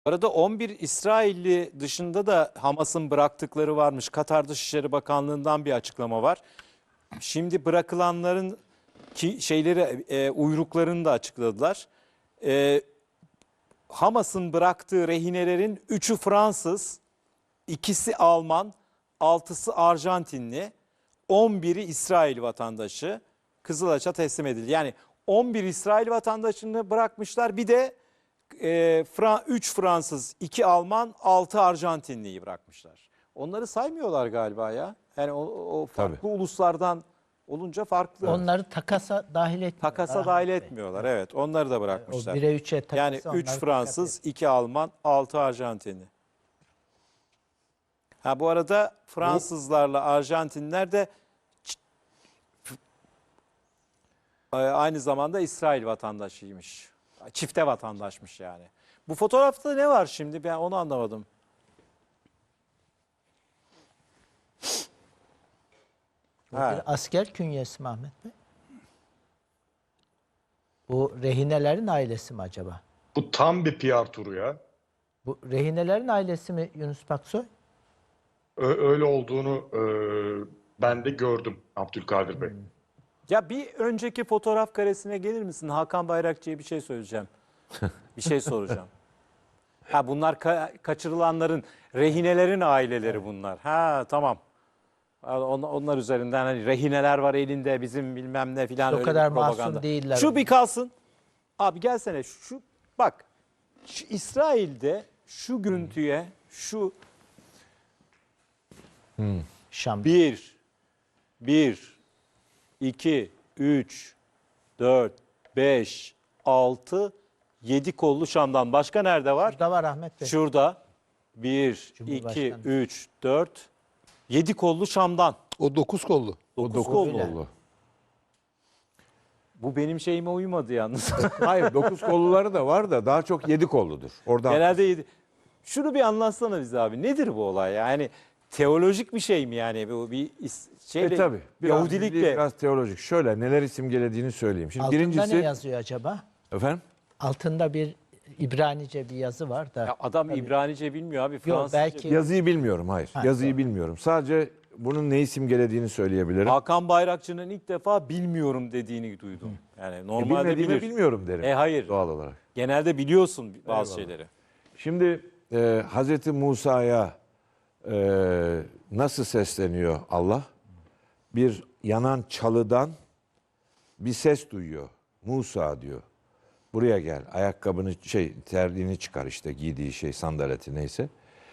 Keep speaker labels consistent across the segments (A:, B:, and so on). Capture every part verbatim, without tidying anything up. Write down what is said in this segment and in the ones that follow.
A: Bu arada on bir İsrailli dışında da Hamas'ın bıraktıkları varmış. Katar Dışişleri Bakanlığı'ndan bir açıklama var. Şimdi bırakılanların ki şeyleri e, uyruklarını da açıkladılar. E, Hamas'ın bıraktığı rehinelerin üçü Fransız, ikisi Alman, altısı Arjantinli, on biri İsrail vatandaşı Kızılaç'a teslim edildi. Yani on bir İsrail vatandaşını bırakmışlar. Bir de e, üç Fransız, iki Alman, altı Arjantinliyi bırakmışlar. Onları saymıyorlar galiba ya. Yani o, o farklı Tabii. uluslardan olunca farklı.
B: Onları takasa dahil etmiyorlar.
A: Takasa dahil etmiyorlar, evet. Onları da bırakmışlar.
B: O bire üçe takasa
A: yani üç Fransız, iki Alman, altı Arjantinli. Ha bu arada Fransızlarla Arjantinler de aynı zamanda İsrail vatandaşıymış. Çifte vatandaşmış yani. Bu fotoğrafta ne var şimdi? Ben onu anlamadım.
B: Bu bir asker künyesi mi Ahmet Bey? Bu rehinelerin ailesi mi acaba?
C: Bu tam bir P R turu ya.
B: Bu rehinelerin ailesi mi Yunus Paksoy?
C: Ö- öyle olduğunu e, ben de gördüm Abdülkadir Bey. Hmm.
A: Ya bir önceki fotoğraf karesine gelir misin? Hakan Bayrakçı'ya bir şey söyleyeceğim. Bir şey soracağım. Ha bunlar ka- kaçırılanların, rehinelerin aileleri bunlar. Ha tamam. On, onlar üzerinden hani rehineler var elinde bizim bilmem ne filan
B: o
A: öyle
B: kadar
A: bir propaganda.
B: masum değiller.
A: Şu bir kalsın. Abi gelsene şu bak. Şu İsrail'de şu görüntüye şu
B: hmm. Şam.
A: bir bir iki üç dört beş altı yedi kollu Şam'dan. Başka nerede var?
B: Şurada var Ahmet Bey.
A: Şurada bir iki üç dört yedi kollu Şam'dan.
D: O dokuz kollu.
A: dokuz
D: o dokuz
A: kollu.
D: kollu.
A: Bu benim şeyime uymadı yalnız.
D: Hayır dokuz kolluları da var da daha çok yedi kolludur. Oradan
A: Genelde yedi. Şunu bir anlatsana bize abi. Nedir bu olay? Yani teolojik bir şey mi yani? Bu bir şeyle,
D: e tabii. Biraz,
A: Yahudilikle.
D: biraz teolojik. Şöyle neler simgelediğini söyleyeyim. Şimdi
B: Altında
D: birincisi,
B: ne yazıyor acaba?
D: Efendim?
B: Altında bir İbranice bir yazı var da.
A: Ya adam tabii. İbranice bilmiyor abi. Fransızca.
B: Yok, belki...
D: Yazıyı bilmiyorum hayır.
B: Ha,
D: Yazıyı
B: doğru.
D: bilmiyorum. Sadece bunun neyi simgelediğini söyleyebilirim.
A: Hakan Bayrakçı'nın ilk defa bilmiyorum dediğini duydum. Yani
D: E,
A: normalde
D: bilmediğimi
A: bilir.
D: bilmiyorum derim.
A: E hayır.
D: Doğal olarak.
A: Genelde biliyorsun bazı
D: Eyvallah.
A: şeyleri.
D: Şimdi e, Hazreti Musa'ya e, nasıl sesleniyor Allah? Bir yanan çalıdan bir ses duyuyor. Musa diyor. Buraya gel. Ayakkabını şey terliğini çıkar işte giydiği şey sandaleti neyse.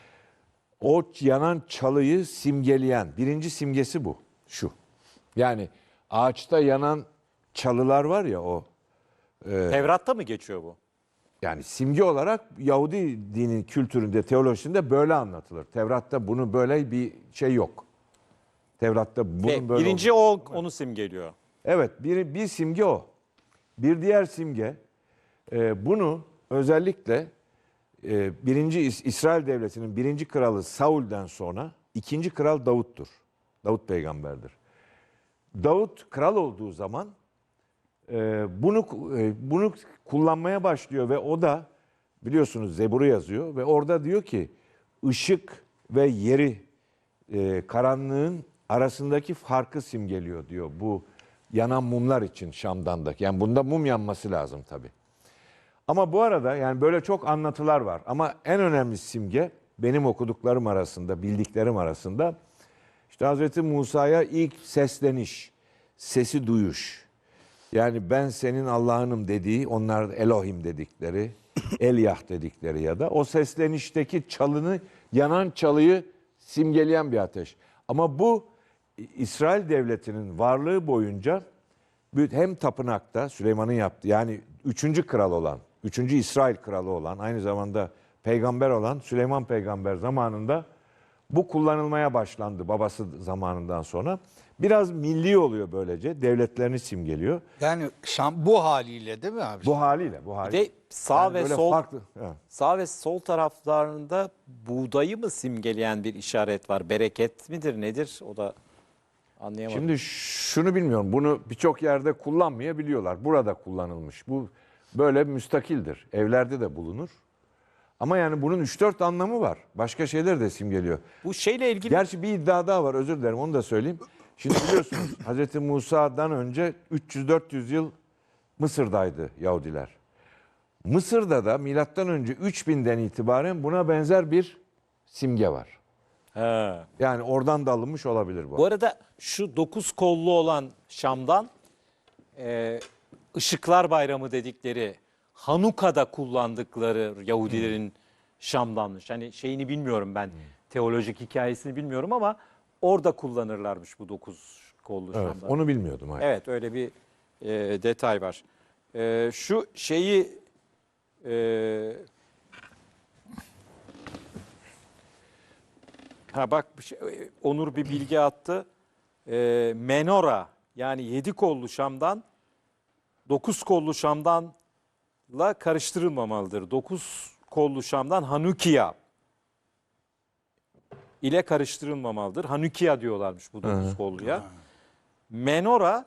D: O yanan çalıyı simgeleyen birinci simgesi bu. Şu. Yani ağaçta yanan çalılar var ya o.
A: E, Tevrat'ta mı geçiyor bu?
D: Yani simge olarak Yahudi dinin kültüründe, teolojisinde böyle anlatılır. Tevrat'ta bunu böyle bir şey yok. Tevrat'ta bunun
A: Ve
D: böyle
A: birinci
D: olduğunu,
A: o onu simgeliyor.
D: Evet, bir, bir simge o. Bir diğer simge e, bunu özellikle e, birinci İs- İsrail devletinin birinci kralı Saul'den sonra ikinci kral Davut'tur. Davut peygamberdir. Davut kral olduğu zaman e, bunu e, bunu kullanmaya başlıyor ve o da biliyorsunuz Zebur'u yazıyor ve orada diyor ki ışık ve yeri e, karanlığın arasındaki farkı simgeliyor diyor bu yanan mumlar için Şam'dan da. Yani bunda mum yanması lazım tabii. Ama bu arada yani böyle çok anlatılar var. Ama en önemli simge benim okuduklarım arasında, bildiklerim arasında işte Hazreti Musa'ya ilk sesleniş, sesi duyuş. Yani ben senin Allah'ınım dediği, onlar Elohim dedikleri, Elyah dedikleri ya da o seslenişteki çalını, yanan çalıyı simgeleyen bir ateş. Ama bu İsrail devletinin varlığı boyunca hem tapınakta Süleyman'ın yaptığı yani üçüncü kral olan, üçüncü İsrail kralı olan aynı zamanda peygamber olan Süleyman peygamber zamanında bu kullanılmaya başlandı babası zamanından sonra. Biraz milli oluyor böylece. Devletlerini simgeliyor.
E: Yani Şam bu haliyle değil mi abi?
D: Bu haliyle, bu
A: Bir
D: haliyle.
A: de sağ
D: Yani
A: ve
D: böyle
A: sol
D: farklı, evet.
A: sağ ve sol taraflarında buğdayı mı simgeleyen bir işaret var? Bereket midir nedir? O da anlayamadım.
D: Şimdi şunu bilmiyorum. Bunu birçok yerde kullanmayabiliyorlar. Burada kullanılmış. Bu böyle müstakildir. Evlerde de bulunur. Ama yani bunun üç dört anlamı var. Başka şeyler de simgeliyor.
A: Bu şeyle ilgili
D: Gerçi bir iddia daha var, özür dilerim, onu da söyleyeyim. Şimdi biliyorsunuz Hazreti Musa'dan önce üç yüz dört yüz yıl Mısır'daydı Yahudiler. Mısır'da da milattan önce üç binden itibaren buna benzer bir simge var.
A: He.
D: Yani oradan da alınmış olabilir bu.
A: Bu arada şu dokuz kollu olan Şam'dan e, Işıklar Bayramı dedikleri Hanuka'da kullandıkları Yahudilerin Şam'danmış. Hani şeyini bilmiyorum ben, teolojik hikayesini bilmiyorum ama orada kullanırlarmış bu dokuz kollu
D: Evet,
A: Şam'dan.
D: onu bilmiyordum. Hayır.
A: Evet, öyle bir e, detay var. E, şu şeyi e, ha bak bir şey- Onur bir bilgi attı. E, menora, yani yedi kollu Şam'dan dokuz kollu Şam'danla karıştırılmamalıdır. Dokuz kollu Şam'dan Hanukiya ile karıştırılmamalıdır. Hanukiya diyorlarmış bu dokuz kolluya. Menora,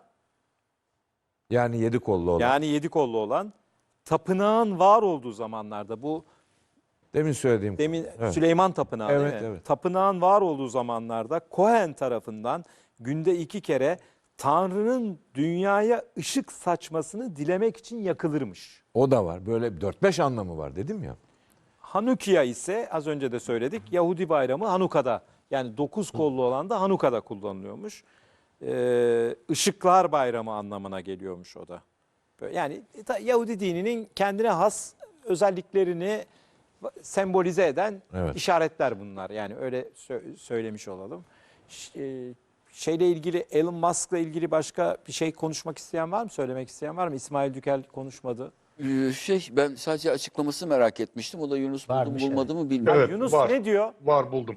D: Yani yedi kollu olan.
A: yani yedi kollu olan, tapınağın var olduğu zamanlarda, bu
D: Demin söylediğim.
A: demin
D: Evet.
A: Süleyman Tapınağı
D: Evet,
A: değil mi?
D: evet.
A: Tapınağın var olduğu zamanlarda Kohen tarafından günde iki kere Tanrı'nın dünyaya ışık saçmasını dilemek için yakılırmış.
D: O da var. Böyle dört beş anlamı var dedim ya.
A: Hanukiya ise az önce de söyledik, Yahudi bayramı Hanuka'da, yani dokuz kollu olan da Hanuka'da kullanılıyormuş. Ee, Işıklar Bayramı anlamına geliyormuş o da. Böyle Yani ta- Yahudi dininin kendine has özelliklerini sembolize eden
D: Evet.
A: işaretler bunlar. Yani öyle sö- söylemiş olalım. Ş- e, Şeyle ilgili, Elon Musk'la ilgili başka bir şey konuşmak isteyen var mı? Söylemek isteyen var mı? İsmail Dükel konuşmadı.
F: Ee, Şey ben sadece açıklaması merak etmiştim. O da Yunus buldu mu
B: Varmış,
F: bulmadı mı bilmiyorum.
C: Evet,
A: Yunus
C: var.
A: ne diyor?
C: Var, buldum.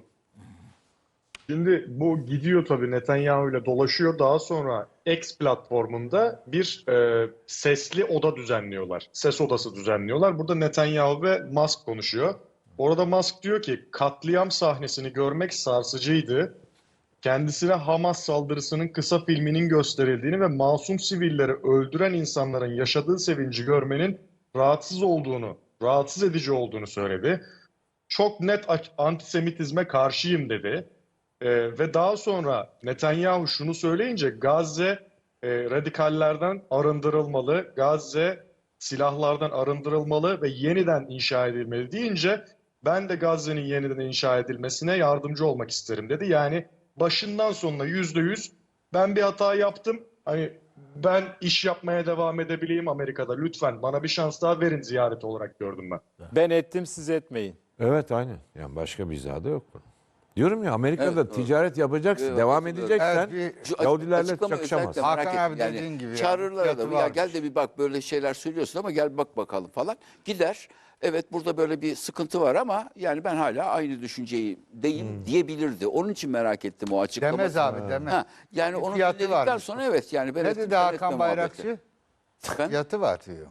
C: Şimdi bu gidiyor tabii, Netanyahu ile dolaşıyor. Daha sonra X platformunda bir e, sesli oda düzenliyorlar. Ses odası düzenliyorlar. Burada Netanyahu ve Musk konuşuyor. Orada Musk diyor ki katliam sahnesini görmek sarsıcıydı. Kendisine Hamas saldırısının kısa filminin gösterildiğini ve masum sivilleri öldüren insanların yaşadığı sevinci görmenin rahatsız olduğunu, rahatsız edici olduğunu söyledi. Çok net antisemitizme karşıyım dedi. Ee, ve daha sonra Netanyahu şunu söyleyince Gazze e, radikallerden arındırılmalı, Gazze silahlardan arındırılmalı ve yeniden inşa edilmeli deyince ben de Gazze'nin yeniden inşa edilmesine yardımcı olmak isterim dedi. Yani başından sonuna yüzde yüz ben bir hata yaptım. Hani ben iş yapmaya devam edebileyim Amerika'da. Lütfen bana bir şans daha verin ziyaret olarak gördüm ben.
A: Ben ettim, siz etmeyin.
D: Evet, aynen. Yani başka bir izahı da yok bunun. Diyorum ya, Amerika'da
F: Evet, doğru.
D: ticaret yapacaksın,
F: Evet,
D: devam
F: evet.
D: edeceksen
E: Evet, bir-
F: Şu
D: Yahudilerle
F: açıklama
D: çakışamaz.
F: özellikle merak
E: Hakan
F: ettim.
E: abi dediğin gibi
F: Çağırırlar
E: yani,
F: adamı,
E: fiyatı
F: ya gel
E: varmış.
F: de bir bak böyle şeyler söylüyorsun ama gel bak bakalım falan. Gider. Evet, burada böyle bir sıkıntı var ama yani ben hala aynı düşünceyi deyim
E: Hmm.
F: diyebilirdi. Onun için merak ettim o açıklamayı.
E: Demez abi demez.
F: Ha, yani
E: Bir
F: onu
E: fiyatı
F: dinledikten
E: varmış.
F: sonra evet yani ben
E: Ne
F: ettim,
E: dedi
F: sen
E: Hakan
F: etme
E: Bayrakçı?
F: muhabbeti. Efendim?
E: Fiyatı var diyor.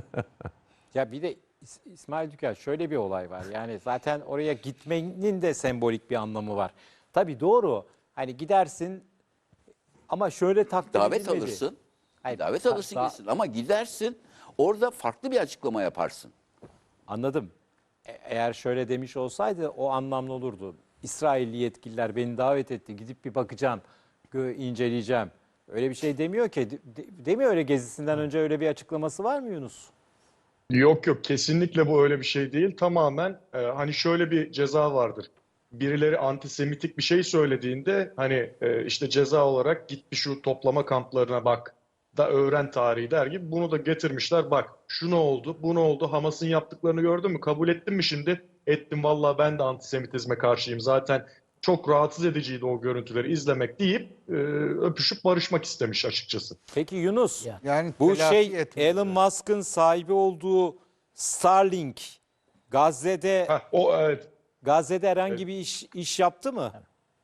A: Ya bir de İs- İsmail Dükel, şöyle bir olay var. Yani zaten oraya gitmenin de sembolik bir anlamı var. Tabii doğru. Hani gidersin ama şöyle takdir
F: Davet
A: edilmeli.
F: alırsın.
A: Hayır,
F: davet
A: da-
F: alırsın
A: da-
F: gitsin ama gidersin orada farklı bir açıklama yaparsın.
A: Anladım. E- Eğer şöyle demiş olsaydı o anlamlı olurdu. İsrailli yetkililer beni davet etti. Gidip bir bakacağım, gö- inceleyeceğim. Öyle bir şey demiyor ki. De- de- Demiyor öyle, gezisinden önce öyle bir açıklaması var mı Yunus?
C: Yok yok, kesinlikle bu öyle bir şey değil. Tamamen e, hani şöyle bir ceza vardır. Birileri antisemitik bir şey söylediğinde hani e, işte ceza olarak git bir şu toplama kamplarına bak da öğren tarihi der gibi bunu da getirmişler. Bak şu ne oldu, bu ne oldu, Hamas'ın yaptıklarını gördün mü, kabul ettin mi şimdi? Ettim vallahi, ben de antisemitizme karşıyım. Zaten çok rahatsız ediciydi o görüntüleri izlemek deyip e, öpüşüp barışmak istemiş açıkçası.
A: Peki Yunus,
B: Ya.
E: Yani
A: bu
E: telafi
A: şey
E: etmiş.
A: Elon Musk'ın sahibi olduğu Starlink Gazze'de
C: Heh, o evet.
A: Gazze'de herhangi bir iş iş yaptı mı?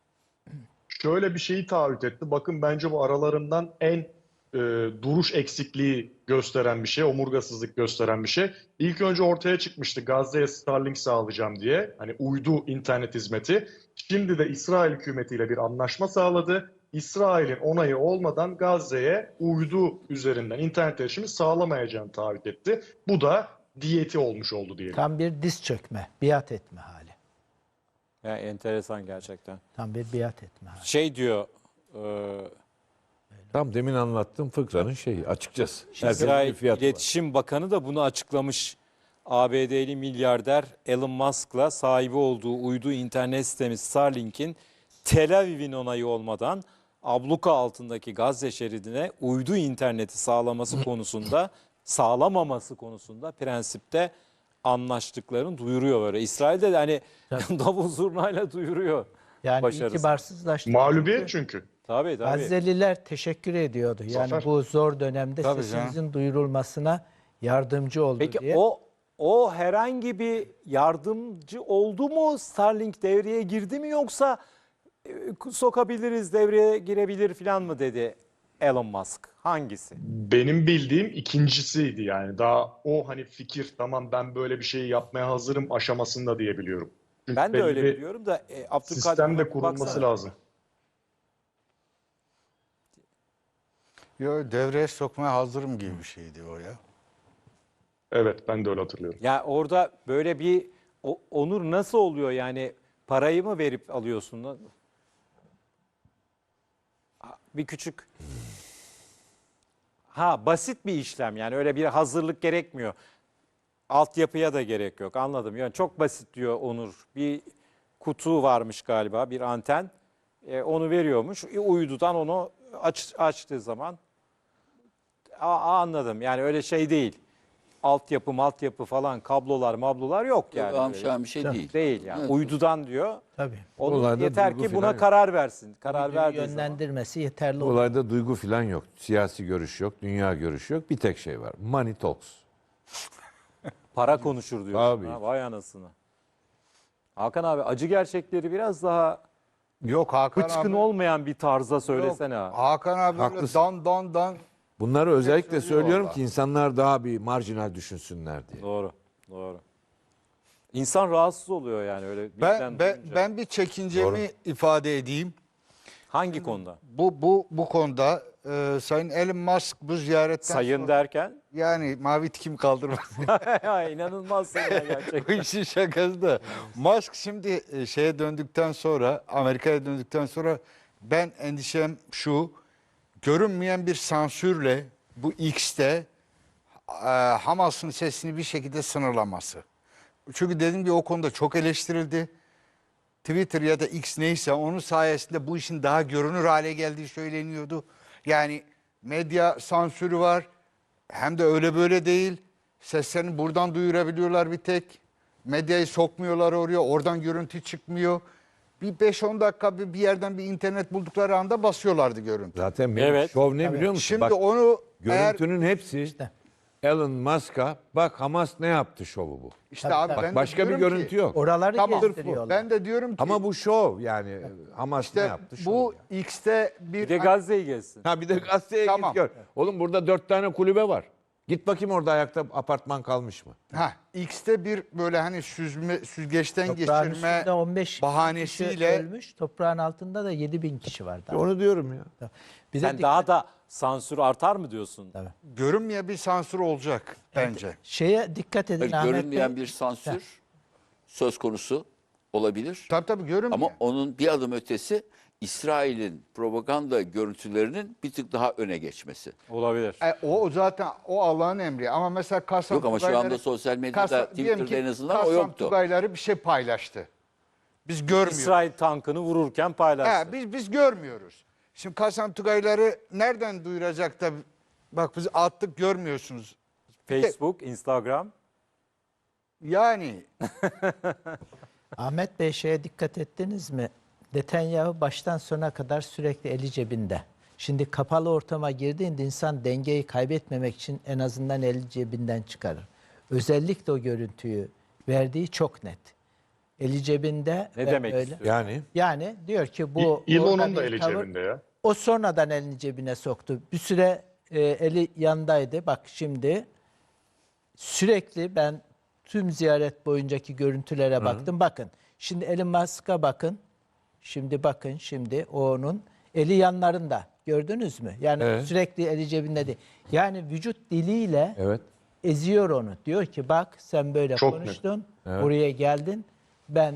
C: Şöyle bir şeyi taahhüt etti. Bakın bence bu aralarından en e, duruş eksikliği gösteren bir şey, omurgasızlık gösteren bir şey. İlk önce ortaya çıkmıştı Gazze'ye Starlink sağlayacağım diye. Hani uydu internet hizmeti. Şimdi de İsrail hükümetiyle bir anlaşma sağladı. İsrail'in onayı olmadan Gazze'ye uydu üzerinden internet erişimi sağlamayacağını taahhüt etti. Bu da diyeti olmuş oldu diyelim.
B: Tam bir diz çökme, biat etme hali.
A: Yani enteresan gerçekten.
B: Tam bir biat etme hali.
A: Şey diyor e,
D: Tam demin anlattığım fıkranın şeyi açıkçası. Herkesin bir
A: İsrail
D: fiyatı var.
A: İletişim Bakanı da bunu açıklamış. A B D'li milyarder Elon Musk'la sahibi olduğu uydu internet sitesi Starlink'in Tel Aviv'in onayı olmadan abluka altındaki Gazze şeridine uydu interneti sağlaması konusunda, sağlamaması konusunda prensipte anlaştıklarını duyuruyor böyle. İsrail'de de hani davul zurnayla duyuruyor.
B: Yani
A: başarısı.
B: itibarsızlaştı.
C: Mağlubiyet çünkü.
A: Tabii tabii.
B: Gazze'liler teşekkür ediyordu. Yani
C: Zafer.
B: bu zor dönemde
E: Tabii
B: sesinizin duyurulmasına yardımcı oldu
A: Peki
B: diye.
A: o o herhangi bir yardımcı oldu mu? Starlink devreye girdi mi yoksa e, sokabiliriz, devreye girebilir falan mı dedi Elon Musk? Hangisi?
C: Benim bildiğim ikincisiydi yani. Daha o hani fikir tamam ben böyle bir şey yapmaya hazırım aşamasında diye biliyorum. Çünkü
A: Ben de
C: belli
A: öyle
C: bir
A: biliyorum da e, Abdülkadir
C: sistem de
A: buna
C: kurulması
A: baksana.
C: lazım.
E: Yo, devreye sokmaya hazırım gibi bir şeydi o ya.
C: Evet ben de öyle hatırlıyorum.
A: Ya orada böyle bir o- onur nasıl oluyor yani parayı mı verip alıyorsun? lan? Bir küçük ha basit bir işlem yani öyle bir hazırlık gerekmiyor. Altyapıya da gerek yok anladım. Yani çok basit diyor Onur. Bir kutu varmış galiba bir anten. E, onu veriyormuş. E, uydudan onu aç, açtığı zaman Aa, anladım. Yani öyle şey değil. Altyapı, maltyapı falan kablolar, mablolar yok yani.
F: Yani,
A: Öyle
F: bir şey değil.
A: değil yani.
F: Evet.
A: Uydudan diyor.
B: Tabii.
A: Onu
D: Olayda
A: yeter
D: duygu
A: ki buna
D: falan yok.
A: karar versin. Karar
B: Uyduyu
A: verdiği zaman.
B: yönlendirmesi yeterli
D: Bu
B: olur.
D: olayda duygu falan yok. Siyasi görüş yok, dünya görüşü yok. Bir tek şey var. Money talks.
A: Para konuşur diyor.
D: Tabii.
A: Ha, vay anasını. Hakan abi acı gerçekleri biraz daha
E: Yok Hakan
A: hıçkın
E: abi.
A: olmayan bir tarza söylesene
E: Yok,
A: abi.
E: Hakan abi böyle
D: Haklısın.
E: dan dan dan.
D: Bunları özellikle
E: söylüyor
D: söylüyorum
E: vallahi.
D: ki insanlar daha bir marjinal düşünsünler diye.
A: Doğru. Doğru. İnsan rahatsız oluyor yani öyle birden
E: Ben, ben,
A: duyunca.
E: ben bir çekincemi ifade edeyim.
A: Hangi konuda?
E: Bu bu bu konuda e, Sayın Elon Musk bu ziyaretten
A: Sayın
E: sonra,
A: derken?
E: yani mavi tikim kaldırmaz.
A: Ya inanılmazsın ya
E: Bu
A: gerçekten.
E: işin şakası da. Musk şimdi e, şeye döndükten sonra, Amerika'ya döndükten sonra ben endişem şu, görünmeyen bir sansürle bu X'te e, Hamas'ın sesini bir şekilde sınırlaması. Çünkü dediğim gibi o konuda çok eleştirildi. Twitter ya da X neyse onun sayesinde bu işin daha görünür hale geldiği söyleniyordu. Yani medya sansürü var. Hem de öyle böyle değil. Seslerini buradan duyurabiliyorlar bir tek. Medyayı sokmuyorlar oraya. Oradan görüntü çıkmıyor. Bir beş on dakika bir bir yerden bir internet buldukları anda basıyorlardı görüntü.
D: Zaten benim
A: Evet.
D: şov ne biliyor musun?
E: Şimdi
D: Bak,
E: onu eğer
D: görüntünün hepsi Elon Musk'a bak Hamas ne yaptı şovu bu.
E: işte
B: Tabii,
E: abi
B: tabii.
E: ben de
D: Başka bir
E: diyorum
D: görüntü
E: ki,
D: yok.
B: Oraları
E: Tamam.
B: gezdiriyorlar.
E: Ben de diyorum ki
D: Ama bu şov yani Hamas ne
E: işte
D: yaptı şov.
E: bu
D: yani.
E: X'te bir
A: Bir de Gazze'yi gezsin.
D: Ha bir de gazeteye
E: Tamam.
D: git gör. Oğlum burada dört tane kulübe var. Git bakayım orada ayakta apartman kalmış mı?
E: Ha, X'te bir böyle hani süzme, süzgeçten
B: Toprağın
E: geçirme
B: üstünde on beş kişi
E: bahanesiyle
B: ölmüş. Toprağın altında da yedi bin kişi var. Daha.
D: Onu diyorum ya.
B: Bir de
A: Sen
B: dikkat-
A: daha da sansür artar mı diyorsun?
E: görünmeyen bir sansür olacak bence.
B: şeye dikkat edin
F: Hayır,
B: Ahmet
F: görünmeyen
B: Bey.
F: bir sansür söz konusu olabilir.
E: Tabii tabii görünmeyen.
F: Ama onun bir adım ötesi İsrail'in propaganda görüntülerinin bir tık daha öne geçmesi.
A: Olabilir.
E: E, o o zaten o Allah'ın emri. Ama mesela Kasım
F: Yok ama şu anda sosyal medyada, Twitter'da en azından o
E: Kasım
F: yoktu.
E: Tugayları bir şey paylaştı. Biz görmüyoruz.
A: İsrail tankını vururken paylaştı.
E: He, biz biz görmüyoruz. Şimdi Kasım Tugayları nereden duyuracak da bak biz attık görmüyorsunuz.
A: Facebook, Instagram.
E: Yani
B: Ahmet Bey şeye dikkat ettiniz mi? Netanyahu baştan sona kadar sürekli eli cebinde. Şimdi kapalı ortama girdiğinde insan dengeyi kaybetmemek için en azından eli cebinden çıkarır. Özellikle o görüntüyü verdiği çok net. Eli cebinde.
A: Ne
B: ve
A: demek
B: öyle.
A: istiyor?
D: Yani
B: Yani diyor ki bu...
C: İ-
B: orada
C: İlon'un da
B: bir
C: eli
B: tavır-
C: cebinde ya.
B: O sonradan elini cebine soktu. Bir süre e, eli yandaydı. Bak şimdi sürekli ben tüm ziyaret boyuncaki görüntülere baktım. Bakın şimdi Elon Musk'a bakın. Şimdi bakın şimdi o onun eli yanlarında. Gördünüz mü? Yani
D: Evet.
B: sürekli eli cebinde değil. Yani vücut diliyle
D: evet.
B: eziyor onu. Diyor ki bak sen böyle
C: Çok net.
B: konuştun, buraya geldin. Ben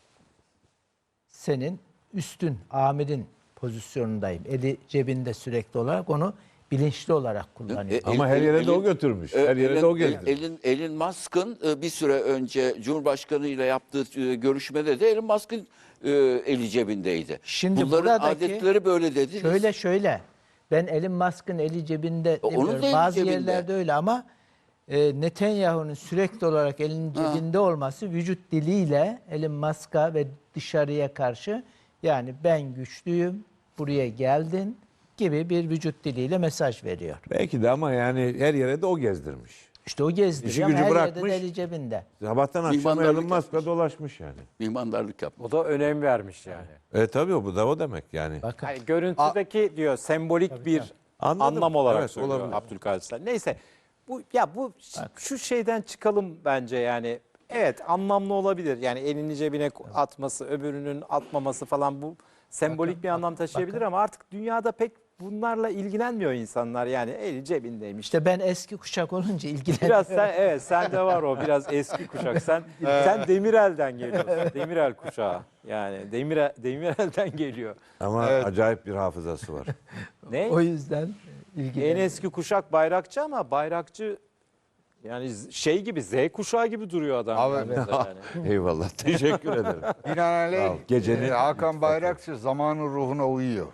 B: senin üstün, amirin pozisyonundayım. Eli cebinde sürekli olarak onu bilinçli olarak kullanıyor.
F: E,
D: Ama her yere de o götürmüş. Her yere de o gezdi.
F: Elin, Elon Musk'ın e, bir süre önce Cumhurbaşkanı ile yaptığı e, görüşmede de Elon Musk'ın e, eli cebindeydi.
B: Şimdi
F: Bunların
B: buradaki-
F: adetleri böyle dediniz.
B: Şöyle şöyle. Ben Elon Musk'ın eli cebinde
F: onun
B: demiyorum.
F: da eli
B: Bazı
F: cebinde.
B: yerlerde öyle ama e, Netanyahu'nun sürekli olarak elinin cebinde olması vücut diliyle Elon Musk'a ve dışarıya karşı yani ben güçlüyüm, buraya geldin gibi bir vücut diliyle mesaj veriyor.
D: Belki de ama yani her yere de o gezdirmiş.
B: İşte o gezdiriyor
D: İşi
B: ama
D: gücü
B: her
D: bırakmış.
B: yerde de eli cebinde.
D: Sabahtan akşama
F: Mihmandarlık
D: Elon Musk'a
F: yapmış.
D: dolaşmış yani.
F: Mihmandarlık yapmış.
A: O da önem vermiş yani.
D: E tabii o bu da o demek yani.
B: Bakın.
A: Yani görüntüdeki diyor sembolik bir
D: Anladım.
A: anlam olarak
D: Evet,
A: söylüyor
D: olabilir.
A: Abdülkadir Selvi. Neyse bu ya bu şu şeyden çıkalım bence yani. Evet anlamlı olabilir. Yani elini cebine atması, öbürünün atmaması falan bu sembolik bir anlam taşıyabilir ama artık dünyada pek bunlarla ilgilenmiyor insanlar. Yani eli cebindeymiş.
B: İşte ben eski kuşak olunca ilgileniyorum.
A: Biraz sen evet sende var o biraz eski kuşak. Sen sen Demirel'den geliyorsun. Demirel kuşağı. Yani Demirel Demirel'den geliyor.
D: Ama acayip bir hafızası var.
A: Ne?
B: O yüzden
A: En
B: ilgileniyorum.
A: eski kuşak bayrakçı ama bayrakçı yani z- şey gibi Z kuşağı gibi duruyor adam.
E: Abi-
A: yani.
D: Eyvallah. Teşekkür ederim. Sağ ol.
E: Binaenaleyh
D: Gecenin-
E: e, Hakan Bayrakçı zamanın ruhuna uyuyor.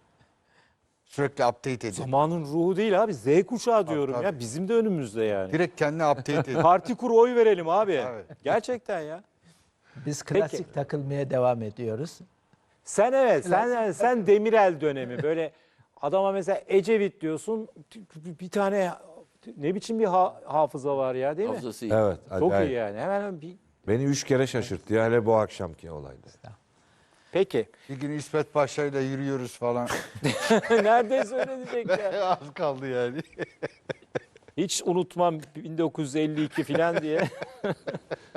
E: Sürekli update ediyor.
A: Zamanın ruhu değil abi Z kuşağı diyorum
E: tabii.
A: ya bizim de önümüzde yani.
E: Direkt kendini update ediyor.
A: Parti kur oy verelim abi.
E: Evet.
A: Gerçekten ya.
B: Biz klasik takılmaya devam ediyoruz.
A: Sen evet sen sen Demirel dönemi böyle adama mesela Ecevit diyorsun bir tane ne biçim bir ha- hafıza var ya değil mi?
F: Hafızası iyi.
D: Evet.
A: Çok
D: Acayip.
A: iyi yani. Hemen bir
D: Beni üç kere şaşırttı ya hele bu akşamki olayda.
A: Peki.
E: Bir gün İsmet Paşa ile yürüyoruz falan.
A: Neredeyse öyle diyecek ya.
E: Az kaldı yani.
A: Hiç unutmam bin dokuz yüz elli iki falan diye.